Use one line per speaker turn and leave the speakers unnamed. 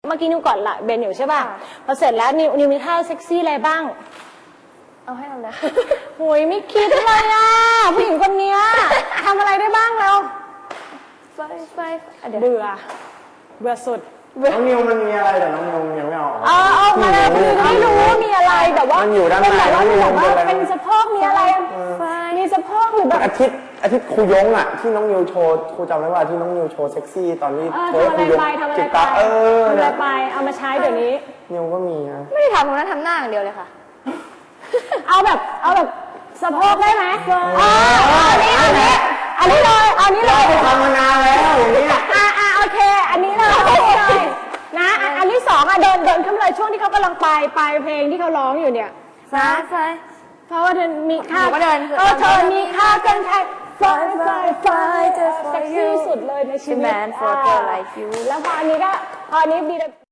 เมื่อกี้นิวกอดละเบนอยู่ใช่ป่ะพอเสร็จแล้วนิวมีท่าเซ็กซี่อะไรบ้าง
เอาให้เราเลย
โอ้ยไม่คิดเลยอ่ะผู้หญิงคนนี้ทำอะไรได้บ้างแล้ว
ไฟ
เบื่อสุด
น้องนิวมันมีอะไรแต่น้องนิวยังไม่ออก
มาเลยคือไม่รู้ว่ามีอะไรแบบว่า
มันอยู่ด้านในน้องนิว
เป็นสะโพกมีอะไรมีสะโพกหรือแบบ
อาทิตย์ครูยงอ่ะที่น้องนิวโชว์ครูจำได้ว่าที่น้องนิวโชว์เซ็กซี่ตอนนี้
โชว์ครูยงจิตตาทำอะไรไปเอามาใช้เดี๋ยวนี้
นิวก็มีนะ
ไม่ได้ทำตรงนั้นทำหน้าอย่างเดียวเลยค่ะ
เอาแบบสะโพกได้ไหมอันนี้เลย
ทำมานานแล้วอย่างนี้
โอเคอันนี้เลยนะอันที่สองเดินขึ้นเลยช่วงที่เขากำลังไปเพลงที่เขาร้องอยู่เนี่ย
ไฟ
เพราะว่าเธอมีค่า
เดิน
เธอมีค่าเกินใครไฟเซ็กซี่สุดเลยในชีวิตแล้วพออันนี้ดี